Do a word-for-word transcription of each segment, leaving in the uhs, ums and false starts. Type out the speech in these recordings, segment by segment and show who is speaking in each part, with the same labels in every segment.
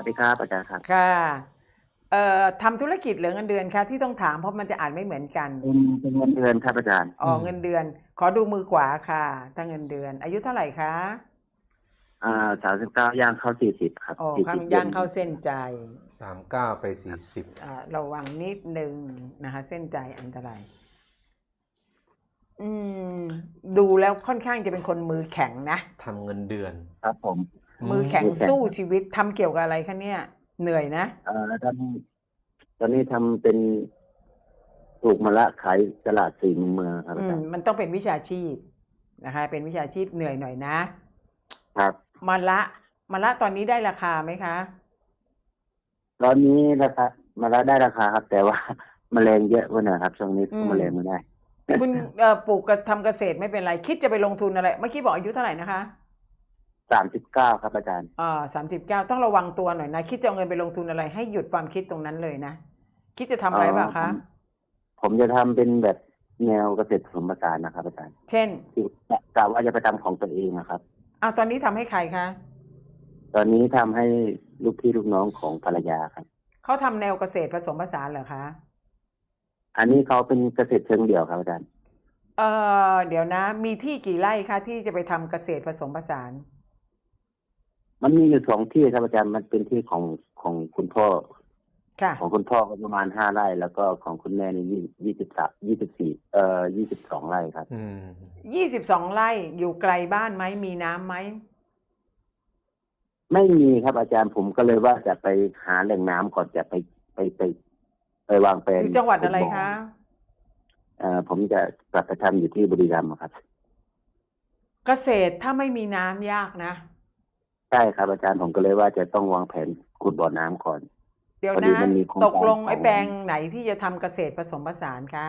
Speaker 1: วัสดีครับอาจารย์ครับ
Speaker 2: ค่ะเอ่อทำธุรกิจหรือเงินเดือนคะที่ต้องถามเพราะมันจะอ่านไม่เหมือนกัน
Speaker 1: เป็นเป็นเงินเดือนครับอาจารย์
Speaker 2: อ๋อเงินเดือนขอดูมือขวาค่ะถ้าเงินเดือนอายุเท่าไหร่คะ
Speaker 1: อ่าสามสิบเก้าย่างเข้าสี่สิบครับ
Speaker 2: อ๋อ
Speaker 1: สี่สิบเดือน
Speaker 2: ข้างย่างเข้าเส้นใจ
Speaker 3: สามเก้าไปสี่สิบ
Speaker 2: อ่าระวังนิดนึงนะคะเส้นใจอันตรายอืมดูแล้วค่อนข้างจะเป็นคนมือแข็งนะ
Speaker 3: ทำเงินเดือน
Speaker 1: ครับผม
Speaker 2: มือแข็ง
Speaker 1: มือแข็ง
Speaker 2: สู้ชีวิตทำเกี่ยวกับอะไรคะเนี่ยเหนื่อยนะ
Speaker 1: เอ่อตอนตอนนี้ทำเป็นปลูกมะละขายตลาดสี่มุมเมืองครับ
Speaker 2: อืม
Speaker 1: อาจารย์
Speaker 2: มันต้องเป็นวิชาชีพนะคะเป็นวิชาชีพเหนื่อยหน่อยนะครับ มะละมะละตอนนี้ได้ราคาไหมคะ
Speaker 1: ตอนนี้ราคามะละได้ราคาครับ แต่ว่า แมลงเยอะกว่าหน่อยครับช่วงนี้
Speaker 2: อืม
Speaker 1: แมลงไม่ได้
Speaker 2: คุณเอ่อปลูกกับทำเกษตรไม่เป็นไร คิดจะไปลงทุนอะไร เมื่อกี้บอกอายุเท่าไหร่นะคะ
Speaker 1: สามสิบเก้าครับอาจารย์
Speaker 2: อ่าสามสิบเก้าต้องระวังตัวหน่อยนะ คิดจะเอาเงินไปลงทุนอะไร ให้หยุดความคิดตรงนั้นเลยนะ คิดจะทำอะไรบ้าง
Speaker 1: ผ
Speaker 2: คะ
Speaker 1: มผมจะทำเป็นแบบแนวเกษตรผสมผสานนะครับอาจารย์
Speaker 2: เช่น
Speaker 1: ที่กะว่าจะไปทำของตัวเองนะครับ
Speaker 2: อ้าวตอนนี้ทำให้ใครคะ
Speaker 1: ตอนนี้ทำให้ลูกพี่ลูกน้องของภรรยาครับ
Speaker 2: เขาทำแนวเกษตรผสมผสานเหรอคะ
Speaker 1: อันนี้เขาเป็นเกษตรเชิงเดี่ยวครับอาจารย์
Speaker 2: เอ่อเดี๋ยวนะ มีที่กี่ไร่คะที่จะไปทำเกษตรผสมผสาน
Speaker 1: มันมีอยู่สองที่ครับอาจารย์มันเป็นที่ของของคุณพ่อ
Speaker 2: ค่ะ
Speaker 1: ของคุณพ่อก็ประมาณห้าไร่แล้วก็ของคุณแม่นี่ยี่ยี่สิบสามยี่สิบสี่เอ่อยี่สิบสองไร่ครับ
Speaker 3: อืม
Speaker 2: ยี่สิบสองไร่อยู่ไกลบ้านไหม มีน้ำไหม
Speaker 1: ไม่มีครับอาจารย์ผมก็เลยว่าจะไปหาแหล่งน้ำก่อนจะไปไปไปไปวางแผน
Speaker 2: อยู่จังหวัดอะไรคะ
Speaker 1: เอ่อผมจะกลับไปทำอยู่ที่บุรีรัมย์ครับ
Speaker 2: เกษตรถ้าไม่มีน้ำยากนะ
Speaker 1: ใช่ครับอาจารย์ผมก็เลยว่าจะต้องวางแผนขุดบ่อน้ำก่อน
Speaker 2: เดี๋ยว
Speaker 1: พอดี
Speaker 2: นะ
Speaker 1: มันมีโครง
Speaker 2: ตก
Speaker 1: การ
Speaker 2: ลง
Speaker 1: ข
Speaker 2: ไอ้
Speaker 1: อง
Speaker 2: แปลงไหนที่จะทำเกษตรผสมผสานคะ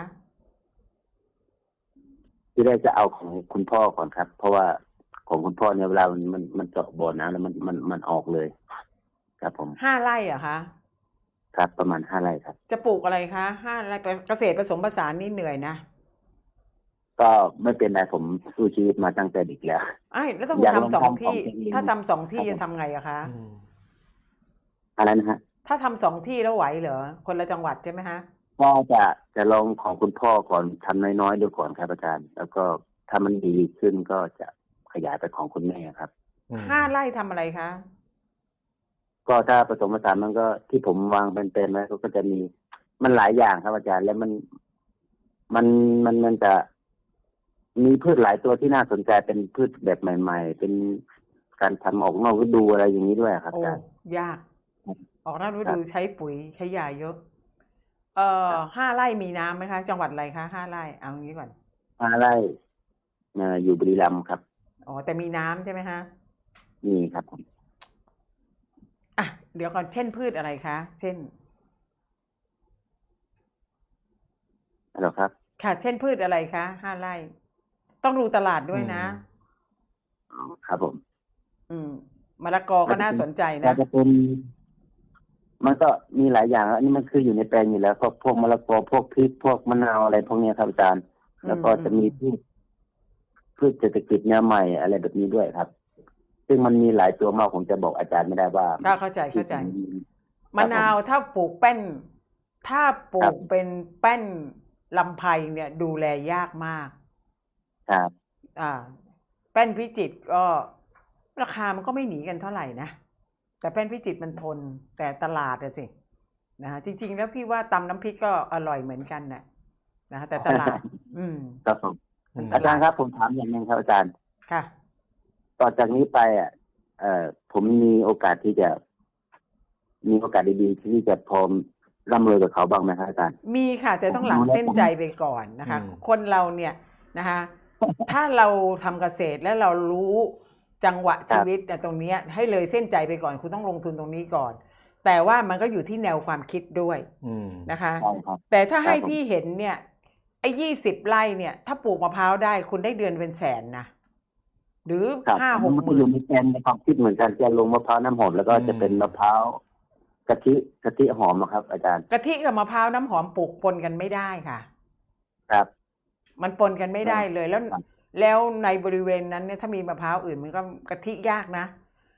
Speaker 1: ที่แรกจะเอาของคุณพ่อก่อนครับ เพราะว่าของคุณพ่อเนี่ยเวลามันมันมันเจาะบ่อน้ำแล้วมันมันมันออกเลย ครับผม
Speaker 2: ห้าไร่เหรอคะ
Speaker 1: ครับประมาณห้าไร่ครับ
Speaker 2: จะปลูกอะไรคะห้าไร่เกษตรผสมผสานนี่เหนื่อยนะ
Speaker 1: ก็ไม่เป็นไรผมสู้ชีวิตมาตั้งแต่เด็กแล้ว
Speaker 2: ไอ้แล้วถ้าคุ
Speaker 1: อ
Speaker 2: ณ
Speaker 1: ยากลอง
Speaker 2: ทำสอง
Speaker 1: ทำของ
Speaker 2: ที่
Speaker 1: ตัวเอง
Speaker 2: ถ้าทำสองที่
Speaker 1: ครับผม
Speaker 2: จะทำไงอะคะ
Speaker 3: อืม
Speaker 1: อะไรนะฮะ
Speaker 2: ถ้าทำสองที่แล้วไหวเหรอ คนละจังหวัดใช่ไหมฮะ
Speaker 1: ก็จะจะลองของคุณพ่อก่อนทำน้อยๆดูก่อนครับอาจารย์ แล้วก็ถ้ามันดีขึ้นก็จะขยายไปของคุณแม่ครับ
Speaker 3: อืม
Speaker 2: ห้าไร่ทำอะไรคะ
Speaker 1: ก็ถ้าผสมผสานมันก็ที่ผมวางเป็นๆไว้ก็จะมีมันหลายอย่างครับอาจารย์ แล้วมันมันมันมันจะมีพืชหลายตัวที่น่าสนใจเป็นพืชแบบใหม่ ๆ เป็นการทำออกนอกฤดูอะไรอย่างนี้ด้วยครับ
Speaker 2: โอ้
Speaker 1: อาจารย์
Speaker 2: ยาก ออกนอกฤ
Speaker 1: ครั
Speaker 2: ดู
Speaker 1: บ
Speaker 2: ใช้ปุ๋ยใช้ยาเยอะ เอ่อ
Speaker 1: ครับ
Speaker 2: ห้าไร่มีน้ำไหมคะ จังหวัดอะไรคะห้าไร่ เอางี้ก่อน
Speaker 1: ห้าไร่เอ่ออยู่บุรีรัมย์ครับ
Speaker 2: อ๋อ แต่มีน้ำใช่ไหมฮะ
Speaker 1: นี่ครับผม
Speaker 2: อ่ะ เดี๋ยวก่อน เช่นพืชอะไรคะ เช่น
Speaker 1: ฮัลโหลครับ
Speaker 2: ค่ะ เช่นพืชอะไรคะห้าไร่ ต้องดูตลาดด้วยนะ
Speaker 1: อ๋อครับผม
Speaker 2: อืมมะละกอก็น่าสนใจ
Speaker 1: ก็
Speaker 2: นะ
Speaker 1: จะเป็น มันก็มีหลายอย่างอันนี้มันคืออยู่ในแปลงอยู่แล้วพวกพวกมะละกอพวกพริกพวกมะนาวอะไรพวกเนี้ยครับอาจารย์ แล้วก็จะมีพืชพืชเศรษฐกิจแนวใหม่อะไรแบบนี้ด้วยครับ ซึ่งมันมีหลายตัวมากผมจะบอกอาจารย์ไม่ได้ว่า
Speaker 2: ก็เข้าใจเข้าใจ
Speaker 1: ที่
Speaker 2: มะนาวถ้าปลูกแป้น ถ้าปลู
Speaker 1: ครั
Speaker 2: ก
Speaker 1: บ
Speaker 2: เป็นแป้นลำไพเนี่ย ดูแลยากมาก
Speaker 1: ครับ
Speaker 2: อ่า แป้นพิจิตรก็ราคามันก็ไม่หนีกันเท่าไหร่นะ แต่แป้นพิจิตรมันทน แต่ตลาดอะสินะฮะจริง ๆ แล้วพี่ว่าตำน้ำพริกก็อร่อยเหมือนกันน่ะนะฮะแต่ตลาด อืม
Speaker 1: ครับผม
Speaker 3: อืม
Speaker 1: อาจารย์ครับผมถามอย่างหนึงครับอาจารย์
Speaker 2: ค่ะ
Speaker 1: ต่อจากนี้ไปอ่ะเอ่อผมมีโอกาสที่จะ มีโอกาสดีๆที่จะพร้อมร่ำรวยกับเขาบ้างไหมครับอาจารย์
Speaker 2: มีค่ะ แต่ต้องหลังเส้นใจไปก่อนนะคะ
Speaker 3: อืม
Speaker 2: คนเราเนี่ยนะคะ ถ้าเราทำเกษตรแล้วเรารู้จังหวะชีวิตเนี่ยตรงเนี้ยให้เลยเส้นใจไปก่อนคุณต้องลงทุนตรงนี้ก่อน แต่ว่ามันก็อยู่ที่แนวความคิดด้วย
Speaker 3: อืม
Speaker 2: นะคะ
Speaker 1: ใช่ครับ
Speaker 2: แต่ถ้าให้
Speaker 1: ครับผม
Speaker 2: พี่เห็นเนี่ยไอ้ยี่สิบไร่เนี่ย ถ้าปลูกมะพร้าวได้คุณได้เดือนเป็นแสนนะหรือ
Speaker 1: ครับ
Speaker 2: ห้าห
Speaker 1: มั
Speaker 2: ก
Speaker 1: น
Speaker 2: ห
Speaker 1: ก็
Speaker 2: มื่
Speaker 1: อน ยู่ในแกนในความคิดเหมือนกันจะลงมะพร้าวน้ำหอมแล้วก็
Speaker 3: อืม
Speaker 1: จะเป็นมะพร้าวกะทิกะทิหอมอะครับ อาจารย์
Speaker 2: กะทิกับมะพร้าวน้ำหอมปลูกปนกันไม่ได้ค่ะ
Speaker 1: ครับ
Speaker 2: มันปนกันไม่ได้เลยแล้ว
Speaker 1: ครับ
Speaker 2: แล้วในบริเวณนั้นเนี่ยถ้ามีมะพร้าวอื่นมันก็กะทิยากนะ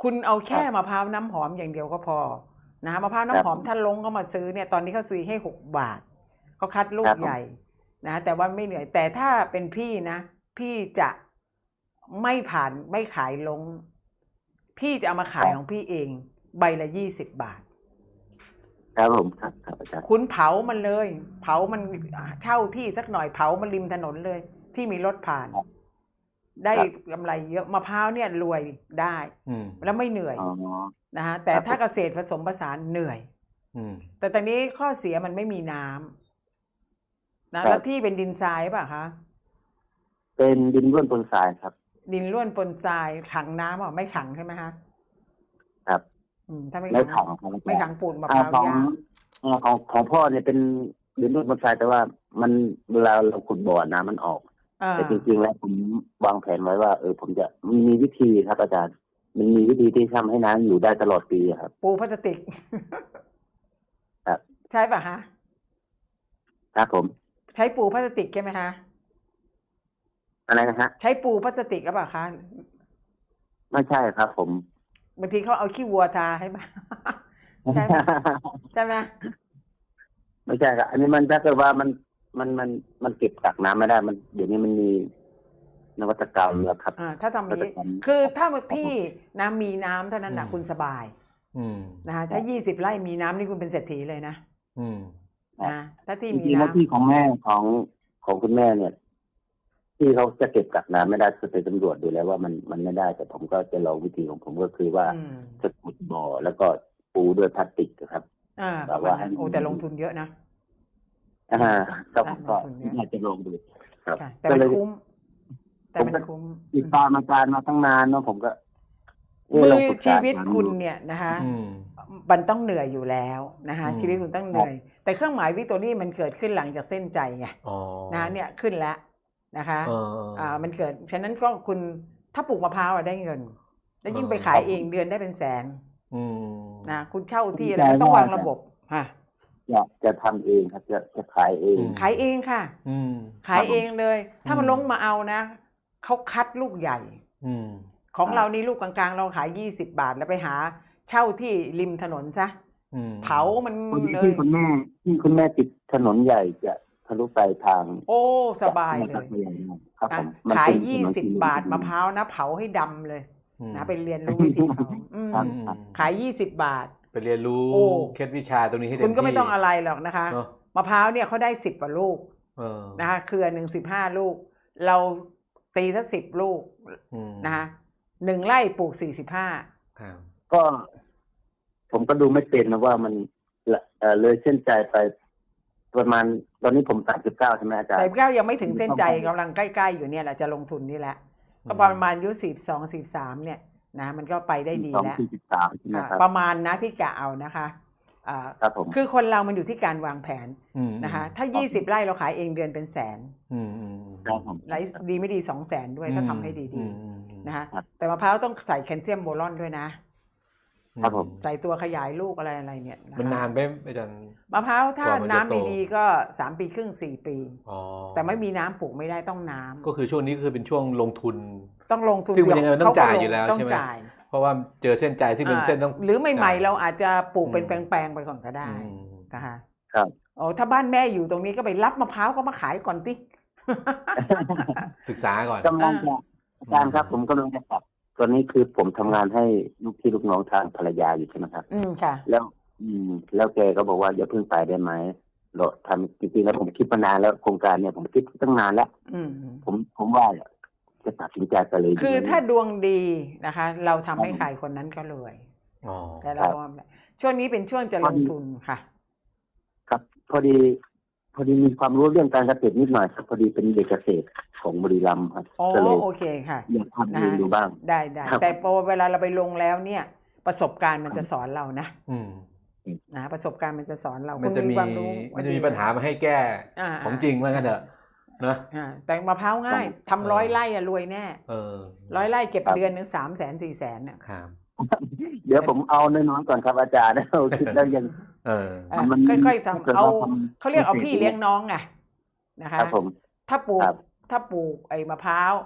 Speaker 2: คุณเอาแค่มะพร้าวน้ำหอมอย่างเดียวก็พอนะฮะมะพร้าวน้ำหอมถ้าลงก็มาซื้อเนี่ยตอนนี้เขาซื้อให้หกบาทเขาคัดลูกใหญ่นะแต่ว่าไม่เหนื่อยแต่ถ้าเป็นพี่นะพี่จะไม่ผ่านไม่ขายลงพี่จะเอามาขายของพี่เองใบละยี่สิบบาท
Speaker 1: ครับผมครับครับอาจารย์
Speaker 2: คุณเผามันเลย เผามันเช่าที่สักหน่อยเผามันริมถนนเลย ที่มีรถผ่าน ได้กำไรเยอะมะพร้าวเนี่ยรวยได้
Speaker 3: อืม
Speaker 2: แล้วไม่เหนื่อย
Speaker 1: อ๋อ
Speaker 2: นะฮะแต่ถ้าเกษตรผสมผสานเหนื่อย
Speaker 3: อืม
Speaker 2: แต่ตอนนี้ข้อเสียมันไม่มีน้ำนะ
Speaker 1: ครับ
Speaker 2: แล้วที่เป็นดินทรายป่ะคะ
Speaker 1: เป็นดินร่วนปนทรายครับ
Speaker 2: ดินร่วนปนทรายขังน้ำอ่ะไม่ขังใช่ไหมคะ
Speaker 1: ครับ
Speaker 2: อืมถ้าไม่
Speaker 1: ไม่
Speaker 2: ขั
Speaker 1: ขั
Speaker 2: ง
Speaker 1: งครับอาจารย์
Speaker 2: ไม่ขังปูนมะพ
Speaker 1: อ่า
Speaker 2: ร้าว
Speaker 1: ของ
Speaker 2: ยาก
Speaker 1: อ่าของของพ่อเนี่ยเป็นดินร่วนปนทรายแต่ว่ามันเวลาเราขุดบ่อน้ำมันออก
Speaker 2: อ่า
Speaker 1: แต่จริงๆแล้วผมวางแผนไว้ว่าเออผมจะมีมีวิธีครับอาจารย์ มันมีวิธีที่ทำให้น้ำอยู่ได้ตลอดปีอะครับ
Speaker 2: ปูพลาสติก
Speaker 1: ครับ
Speaker 2: ใช่ป่ะฮะ
Speaker 1: ครับผม
Speaker 2: ใช้ปูพลาสติกใช่ไหมฮะ
Speaker 1: อะไรนะฮะ
Speaker 2: ใช้ปูพลาสติกหรือเปล่าคะ
Speaker 1: ไม่ใช่ครับ ผม
Speaker 2: บางทีเขาเอาขี้วัวทาให้มา ใช่ไหมใช่ไหม
Speaker 1: ไม่ใช่ครับ อันนี้มันถ้าเกิดว่ามันมันมันมันเก็บกักน้ำไม่ได้ มันเดี๋ยวนี้มันมีนวัตกรรมแล้วครับ
Speaker 2: อ่าถ้าทำนี้
Speaker 1: ก็จะทำ
Speaker 2: คือถ้าพี่น้ำมีน้ำเท่านั้นนะ
Speaker 3: อืม
Speaker 2: คุณสบาย
Speaker 3: อืม
Speaker 2: นะฮะถ้ายี่สิบไร่มีน้ำนี่คุณเป็นเศรษฐีเลยนะ
Speaker 3: อืม
Speaker 2: นะถ้าที่
Speaker 1: จ
Speaker 2: มี
Speaker 1: ริงๆแล้ว
Speaker 2: น้ำ
Speaker 1: ที่ของแม่ของของคุณแม่เนี่ย ที่เขาจะเก็บกักน้ำไม่ได้คือไปตำรวจดูแล้วว่ามันมันไม่ได้ แต่ผมก็จะลองวิธีของผมก็คือว่า
Speaker 2: อืม
Speaker 1: จะขุดบ่อแล้วก็ปูด้วยพลาสติกนะครับ
Speaker 2: อ่า
Speaker 1: แบบว่า
Speaker 2: วันนั้นโอ้แต่ลงทุนเยอะนะ
Speaker 1: อ่าก็ผมก็
Speaker 2: ลงทุนเยอะ
Speaker 1: อยากจะลองดูครับ
Speaker 2: ค่ะแต่
Speaker 1: ก็
Speaker 2: มัน
Speaker 1: เลย
Speaker 2: คุ้ม แต่มัน
Speaker 1: ผมก็
Speaker 2: คุ้ม
Speaker 1: ติดตามอาจารย์มาตั้งนานเนาะผมก็เะ
Speaker 2: มื
Speaker 1: ลง
Speaker 2: อ
Speaker 1: ปรึกษา
Speaker 2: ชีวิต
Speaker 1: อาจารย์
Speaker 2: คุณ
Speaker 1: ดู
Speaker 2: เนี่ยนะคะ
Speaker 3: อืม
Speaker 2: มันต้องเหนื่อยอยู่แล้วนะคะ
Speaker 3: อืม
Speaker 2: ชีวิตคุณต้องเหนื่อย แต่เครื่องหมายวิกตอรี่มันเกิดขึ้นหลังจากเส้นใจไง
Speaker 3: อ๋อ
Speaker 2: นะเนี่ยขึ้นแล้วนะคะ
Speaker 3: เออ
Speaker 2: อ่ามันเกิดฉะนั้นก็คุณถ้าปลูกมะพร้าวอะได้เงิน แล้วยิ่ง
Speaker 3: เออ
Speaker 2: ไปขายเองเดือนได้เป็นแสน
Speaker 3: อืม
Speaker 2: นะคุณเช่าที่
Speaker 1: ผม
Speaker 2: อะไรไม่ต้อง
Speaker 1: ใจว่า
Speaker 2: วางระบบค่ะ
Speaker 1: อยากจะทำเองครับ จะจะขายเอง
Speaker 3: อืม
Speaker 2: ขายเองค่ะ
Speaker 3: อืม
Speaker 2: ขายเองเลย ถ้ามัน
Speaker 3: อืม
Speaker 2: ลงมาเอานะเขาคัดลูกใหญ่
Speaker 3: อืม
Speaker 2: ของ
Speaker 1: อ่า
Speaker 2: เรานี่ลูกกลางๆ เราขายยี่สิบบาทแล้วไปหาเช่าที่ริมถนนซะ
Speaker 3: อืม
Speaker 2: เผามัน
Speaker 1: คน
Speaker 2: เล
Speaker 1: ที่
Speaker 2: ย
Speaker 1: คุณแม่ที่คุณแม่ติดถนนใหญ่จะทะลุไปทาง
Speaker 2: โอ้สบายเลย
Speaker 1: ครับผ
Speaker 2: นะ
Speaker 1: มมัน
Speaker 2: ขาย
Speaker 1: เป็นถ
Speaker 2: ยี่
Speaker 1: นน
Speaker 2: สิบ
Speaker 1: ที่
Speaker 2: บาทมะพร้าวนะเผาให้ดำเลย
Speaker 3: อืม
Speaker 2: นะไปเรียนรู้วิธีเผาอืม
Speaker 1: ครับ
Speaker 3: อืม
Speaker 2: ขายยี่สิบบาท
Speaker 3: ไปเรียนรู้
Speaker 2: โอ้
Speaker 3: เคล็ดวิชาตรงนี้ให้เต็ม
Speaker 2: คุณก็ไม่
Speaker 3: ที่
Speaker 2: ต้องอะไรหรอกนะคะ
Speaker 3: เนอะ
Speaker 2: มะพร้าวเนี่ยเขาได้สิบกว่าลูก
Speaker 3: เออ
Speaker 2: นะคะเครือหนึ่งสิบห้าลูก เราตีสักสิบลูก
Speaker 3: อืม
Speaker 2: นะคะหนึ่งไร่ปลูกสี่สิบห้า
Speaker 3: ครับ
Speaker 1: ก็ ผมก็ดูไม่เป็นนะว่ามันละเอ่อเลยเส้นใจไป ประมาณตอนนี้ผมสามสิบเก้าใช่ไหมอาจารย์
Speaker 2: แต่เก้ายังไม่ถึงเส้นใจกำลังใกล้ๆอยู่เนี่ยแหละจะลงทุนนี่แหละ
Speaker 3: อืม
Speaker 2: ก็ประมาณอายุสิบสองสิบสามเนี่ยนะมันก็ไปได้ดี
Speaker 1: สอง
Speaker 2: แล้ว
Speaker 1: สี่สิบสามใช่ไหม
Speaker 2: อ่า
Speaker 1: ครับ
Speaker 2: ประมาณนะพี่กะเอานะคะอ่า
Speaker 1: ครับผม
Speaker 2: คือคนเรามันอยู่ที่การวางแผน
Speaker 3: อืม
Speaker 2: นะคะถ้ายี่สิบไร่เราขายเองเดือนเป็นแสน
Speaker 3: อืมอืมอืม
Speaker 1: ครับผม
Speaker 2: ไร่ดีไม่ดีสองแสนด้วยถ้าทำให้ดี
Speaker 3: อืมอืมอืม
Speaker 2: ๆนะคะ
Speaker 1: ครับ
Speaker 2: แต่มะพร้าวต้องใส่แคลเซียมโบรอนด้วยนะ
Speaker 1: ครับผม
Speaker 2: ใส่ตัวขยายลูกอะไรอะไรเนี่ยะคะ
Speaker 3: มันนานไปอาจารย์
Speaker 2: มะพร้าวถ้าก
Speaker 3: ว่ามันจะ
Speaker 2: น้ำ
Speaker 3: โต
Speaker 2: ดีๆก็สามปีครึ่งสี่ปี
Speaker 3: อ๋อ
Speaker 2: แต่ไม่มีน้ำปลูกไม่ได้ต้องน้ำ
Speaker 3: ก็คือช่วงนี้คือเป็นช่วงลงทุน
Speaker 2: ต้องลงทุน
Speaker 3: ซึ่งมันยังไงมันต้อง
Speaker 2: เขก็
Speaker 3: จ่ายอยู่แล้ว
Speaker 2: ต้อง
Speaker 3: ใช่ไหม
Speaker 2: จ่าย
Speaker 3: เพราะว่าเจอเส้นใจที่เป็นเส้นต้อง
Speaker 2: อ่าหรือใหม่ๆเราอาจจะปลูกเป็น
Speaker 3: อืม
Speaker 2: แปลงๆไปก่อนก็ได้
Speaker 3: อืม
Speaker 2: นะคะ
Speaker 1: ครับ
Speaker 2: โอ้ถ้าบ้านแม่อยู่ตรงนี้ก็ไปรับมะพร้าวก็มาขายก่อนติ
Speaker 3: ศึกษาก่อน
Speaker 1: กำลังจะอาจารย์ครับ ผมกำลังจะกลับตอนนี้คือผมทำงานให้ลูกพี่ลูกน้องทางภรรยาอยู่ใช่ไหมครับ
Speaker 2: อืมค่ะ
Speaker 1: แล้ว อืม แล้วแกก็บอกว่าอย่าเพิ่งไปได้ไหมเราทำจริงๆแล้วผมคิดมานานแล้วโครงการเนี่ยผมคิดตั้งนานแล้ว
Speaker 2: อืม
Speaker 1: ผมผมว่าจะตัดสินใจไปเลย
Speaker 2: คือ
Speaker 1: ดีไหม
Speaker 2: ถ้าดวงดีนะคะ เราทำให้ใครคนนั้นก็รวย
Speaker 3: อ๋อ
Speaker 2: แต่เราช่วงนี้เป็นช่วงจะลงทุนค่ะ
Speaker 1: ครับ พอดี พอดีมีความรู้เรื่องการเกษตรนิดหน่อยครับพอดีเป็นเด็กเกษตรของบุรีรัมย์ครับ
Speaker 2: อ๋อ
Speaker 1: ก็เลย
Speaker 2: โอเคค่ะ
Speaker 1: อยากทำเองดูบ้าง
Speaker 2: ได้ได้
Speaker 1: ครับ
Speaker 2: แต่พอเวลาเราไปลงแล้วเนี่ย ประสบการณ์มันจะสอนเรานะ
Speaker 3: อืม
Speaker 2: นะประสบการณ์มันจะสอนเรา
Speaker 3: มันจะ
Speaker 2: คุณ
Speaker 3: มี
Speaker 2: ความรู้
Speaker 3: มันจะมีปัญหามาให้แก้
Speaker 2: อ่า
Speaker 3: ของจริงว่างั้นเถอะนะ
Speaker 2: อ่าแต่มะพร้าวง่ายทำร้อยไร่อะรวยแน่
Speaker 3: เออ
Speaker 2: ร้อยไร่เก็บ
Speaker 1: ครับ
Speaker 2: เดือนหนึ่งสามแสนสี่แสนเนี่ย
Speaker 3: ครับ
Speaker 1: เดี๋ยวผมเอาน้อยๆก่อนครับอาจารย์ เราคิดแล้วยัง
Speaker 3: เออ
Speaker 2: อ่ะ
Speaker 1: มัน
Speaker 2: ค่อยๆทำ
Speaker 1: ถ้าเกิด
Speaker 2: เอา
Speaker 1: ว่าทำ
Speaker 2: เขาเรียกเอาพี่เลี้ยงน้องไงนะคะ
Speaker 1: ครับผม
Speaker 2: ถ้าปลูก
Speaker 1: ครับ
Speaker 2: ถ้าปลูกไอ้มะพร้าว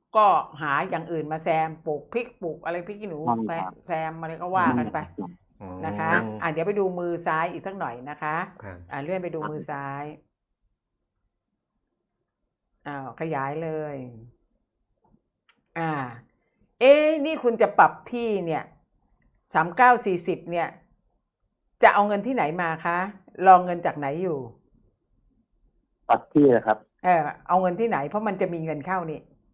Speaker 2: ก็หาอย่างอื่นมาแซมปลูกพริกปลูกอะไรพริกขี้หนู
Speaker 1: ใช่
Speaker 2: แซ
Speaker 1: ครั
Speaker 2: ม
Speaker 1: บ
Speaker 2: แซมอะไรก็ว่ากันไป
Speaker 3: อืม
Speaker 2: นะคะอ่ะเดี๋ยวไปดูมือซ้ายอีกสักหน่อยนะคะ
Speaker 3: ครับ
Speaker 2: อ่าเลื่อนไปดูมือซ้ายอ้าวขยายเลย อ่า เอ๊ะนี่คุณจะปรับที่เนี่ยสามเก้าสี่สิบเนี่ย จะเอาเงินที่ไหนมาคะรองเงินจากไหนอยู่
Speaker 1: ปรับที่นะครับ
Speaker 2: เออเอาเงินที่ไหนเพราะมันจะมีเงินเข้านี่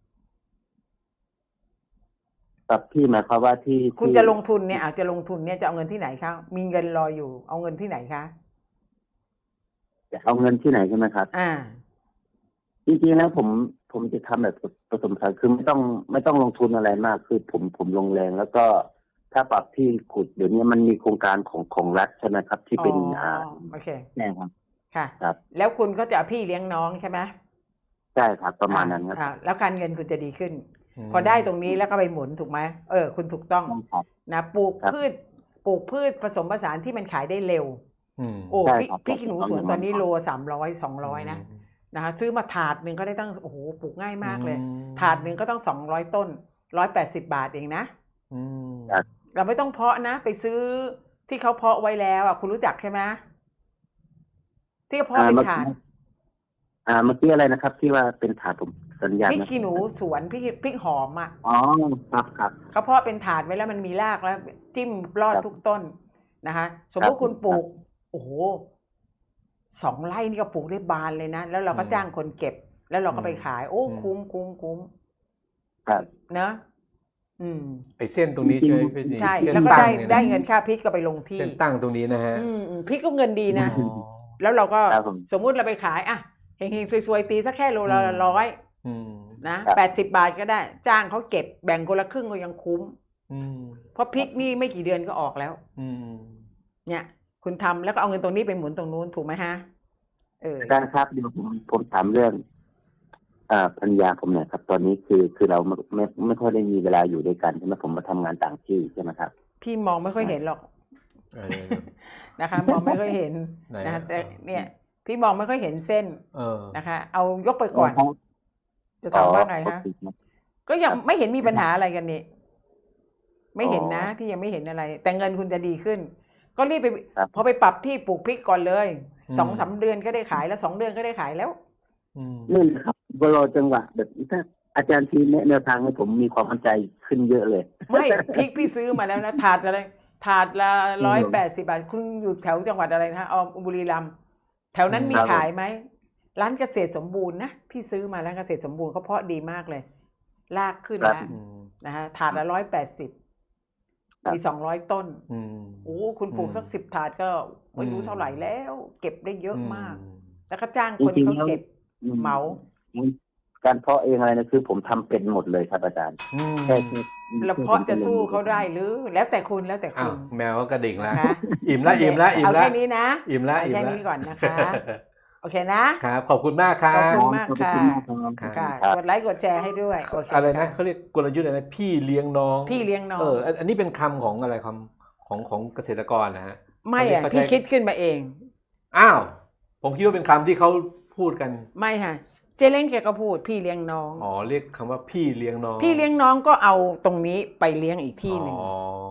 Speaker 1: ปรับที่หมายความว่าที่
Speaker 2: คุณ
Speaker 1: ที่
Speaker 2: จะลงทุนเนี่ยอาจจะลงทุนเนี่ยจะเอาเงินที่ไหนคะมีเงินรออยู่ เอาเงินที่ไหนคะ
Speaker 1: จะเอาเงินที่ไหนใช่ไหมครับ
Speaker 2: อ่า
Speaker 1: จริงๆแล้วผมผมจะทำแบบผสมผสานคือไม่ต้องไม่ต้องลงทุนอะไรมาก คือผมผมลงแรงแล้วก็ถ้าปรับที่ขุดเดี๋ยวนี้มันมีโครงการของของรัฐใช่ไหมครับ ที่เป็น
Speaker 2: อ๋ออ่
Speaker 1: อ่า
Speaker 2: โอเค
Speaker 1: แน่ครับ
Speaker 2: ค่ะ
Speaker 1: ครับ
Speaker 2: แล้วคุณก็จะเอาพี่เลี้ยงน้องใช่ไหม
Speaker 1: ใช่ครับ ประมาณนั้นครับ
Speaker 2: อ่าแล้วการเงินคุณจะดีขึ้น
Speaker 3: ม
Speaker 2: พอได้ตรงนี้แล้วก็ไปหมุนถูกไหมเออ คุณถูกต้อง
Speaker 1: ใช่ครับ
Speaker 2: นะปลูก
Speaker 1: ครับ
Speaker 2: พืชปลูกพืชผสมผสานที่มันขายได้เร็ว
Speaker 3: อืม
Speaker 2: โอ้
Speaker 1: ใช่
Speaker 2: พี่
Speaker 1: ครับ
Speaker 2: พี่ขี้หนูสวนตอนนี้โลสามร้อยสองร้อยนะ
Speaker 3: ม
Speaker 2: นะคะซื้อมาถาดหนึ่งก็ได้ตั้งโอ้โหปลูกง่ายมากเลย
Speaker 3: อืม
Speaker 2: ถาดหนึ่งก็ต้องสองร้อยต้นร้อยแปดสิบบาทเองนะ
Speaker 3: อืม
Speaker 1: ครับ
Speaker 2: เราไม่ต้องเพาะนะ ไปซื้อที่เขาเพาะไว้แล้วอ่ะคุณรู้จักใช่ไหมที่เขาเพาะเป็นถาด
Speaker 1: อ่าเมื่อกี้อะไรนะครับ ที่ว่าเป็นถาดผมสัญญาณ
Speaker 2: พริก
Speaker 1: ไม่
Speaker 2: ขี้หนูสวนพริกพริกหอมอ่ะ
Speaker 1: อ๋อครับครับ
Speaker 2: เขาเพาะเป็นถาดไว้แล้วมันมีรากแล้ว จิ้มรอด
Speaker 1: ครับ
Speaker 2: ทุกต้นนะคะ สมมติ
Speaker 1: ครับ
Speaker 2: คุณปลูก โอ้โหสองไร่นี่ก็ปลูกได้บานเลยนะ แล้วเราก็
Speaker 3: อืม
Speaker 2: จ้างคนเก็บ แล้วเราก็ไป
Speaker 3: อืม
Speaker 2: ขาย โอ้
Speaker 3: อืม
Speaker 2: คุ้มคุ้มคุ้ม
Speaker 1: ครับ
Speaker 2: เนอะอืม
Speaker 3: ไอ้เส้นตรงนี้ใช่ไหมพี่ดี
Speaker 2: ใช่
Speaker 3: เส้น
Speaker 2: แล้วก็
Speaker 3: ตั้
Speaker 2: ได้
Speaker 3: งเนี่ยนะ
Speaker 2: ได้เงินค่าพริกก็ไปลงที่
Speaker 3: เส้นตั้งตรงนี้นะฮะ
Speaker 2: อืมอืมพริกก็เงินดีนะ
Speaker 3: อ๋อ
Speaker 2: แล้วเราก็
Speaker 1: ครับผม
Speaker 2: สมมุติเราไปขายอ่ะเฮงๆซวยๆตีสักแค่โลละ
Speaker 3: อืม
Speaker 2: ร้อย
Speaker 3: อืม
Speaker 2: นะครับ แปดสิบบาทก็ได้ จ้างเขาเก็บแบ่งคนละครึ่งก็ยังคุ้ม
Speaker 3: อืม
Speaker 2: เพราะพริกนี่ไม่กี่เดือนก็ออกแล้ว
Speaker 3: อืม
Speaker 2: เนี่ย คุณทำแล้วก็เอาเงินตรงนี้ไปหมุนตรงนู้นถูกไหมฮะ เออ
Speaker 1: อาจารย์ครับเดี๋ยวผมผมถามเรื่องอ่าภรรยาผมเนี่ยครับ ตอนนี้คือคือเราไม่ไม่ไม่ค่อยได้มีเวลาอยู่ด้วยกันใช่ไหมผมมาทำงานต่างที่ใช่ไหมครับ
Speaker 2: พี่มองไม่ค่อยเห็นหรอก
Speaker 3: เออ
Speaker 2: นะคะ มองไม่ค่อยเห็น
Speaker 3: ไหน
Speaker 2: นะ
Speaker 3: อะ
Speaker 2: แต่เนี่ย พี่มองไม่ค่อยเห็นเส้น
Speaker 3: เออ
Speaker 2: นะคะ เอายกไปก่อน จะถามว่าไงฮะ ก็ยังไม่เห็นมีปัญหาอะไรกันนี่ไม่เห็นนะ
Speaker 1: อ๋อ
Speaker 2: พี่ยังไม่เห็นอะไร แต่เงินคุณจะดีขึ้น ก็รีบไป
Speaker 1: ครับ
Speaker 2: พอไปปรับที่ปลูกพริกก่อนเลย
Speaker 3: อืม
Speaker 2: สองสามเดือนก็ได้ขายแล้วสองเดือนก็ได้ขายแล้ว
Speaker 3: อืม
Speaker 1: นี่นะครับก็รอจังหวะแบบถ้าอาจารย์ทีแนะแนวทางให้ผมมีความมั่นใจขึ้นเยอะเลย
Speaker 2: ไม่พริกพี่ซื้อมาแล้วนะถาดอะไรถาดละร้อยแปดสิบาทคุณอยู่แถวจังหวัดอะไรนะอ๋อบุรีรัมย์แถวนั้นมี
Speaker 1: ครับ
Speaker 2: ขายไหมร้านเกษตรสมบูรณ์นะพี่ซื้อมาร้านเกษตรสมบูรณ์เขาเพาะดีมากเลย ลากขึ้น
Speaker 1: ครับ
Speaker 2: แล้ว
Speaker 3: อืม
Speaker 2: นะฮะถาดละร้อยแปดสิบ
Speaker 1: ครับ
Speaker 2: มีสองร้อยต้น
Speaker 3: อืม
Speaker 2: โอ้คุณปลูกสักสิบถาดก็ไม่รู้
Speaker 3: อืม
Speaker 2: เท่าไหร่แล้ว เก็บได้เยอะมาก
Speaker 3: อื
Speaker 2: แล้วก็จ้างคน
Speaker 1: จริงๆ
Speaker 2: เขา
Speaker 1: แล้ว
Speaker 2: เก็บ
Speaker 1: อื
Speaker 2: เหมา
Speaker 1: การเพาะเองอะไรนะคือผมทำเป็นหมดเลยครับอาจารย์
Speaker 3: อืม
Speaker 1: แค่แค่
Speaker 2: แล้วเพาะจะสู้เขาได้หรือ แล้วแต่คุณแล้วแต่
Speaker 3: อ้า
Speaker 2: คุ
Speaker 3: ว
Speaker 2: ณ
Speaker 3: แมวก็กระดิ่งแล้ว
Speaker 2: นะคะ
Speaker 3: อิ่มละอิ่มละอิ่ม
Speaker 2: เอา
Speaker 3: ละ
Speaker 2: แค่นี้นะ
Speaker 3: อิ่มละ
Speaker 2: เอา
Speaker 3: อิ่ม
Speaker 2: แค่
Speaker 3: ละ
Speaker 2: นี้ก่อนนะคะ โอเคนะ
Speaker 3: ครับ ขอบคุณมากครั
Speaker 2: ขอบคุ
Speaker 3: บ
Speaker 2: ณ มากค่ะ
Speaker 1: ขอบณมากครับ
Speaker 2: ค่ะ
Speaker 1: ครับ
Speaker 2: กดไลค์กดแชร์ให้ด้วยโอเค
Speaker 3: อะไรนะ
Speaker 2: ค่
Speaker 3: เขาเรียกกลยุทธ์อะไรนะพี่เลี้ยงน้อง
Speaker 2: พี่เลี้ยงน้อง
Speaker 3: เอออันอันนี้เป็นคำของอะไรคำของของเกษตรกรนะฮะ
Speaker 2: ไม่อ่ะ
Speaker 3: อันนี้
Speaker 2: พี่
Speaker 3: เขาใช้
Speaker 2: คิดขึ้นมาเอง
Speaker 3: อ้าว ผมคิดว่าเป็นคำที่เขาพูดกัน
Speaker 2: ไม่ค่ะเจเล้งแกก็พูดพี่เลี้ยงน้อง
Speaker 3: อ๋อเรียกคำว่าพี่เลี้ยงน้อง
Speaker 2: พี่เลี้ยงน้องก็เอาตรงนี้ไปเลี้ยงอีกที่หนึ่ง
Speaker 3: อ๋อ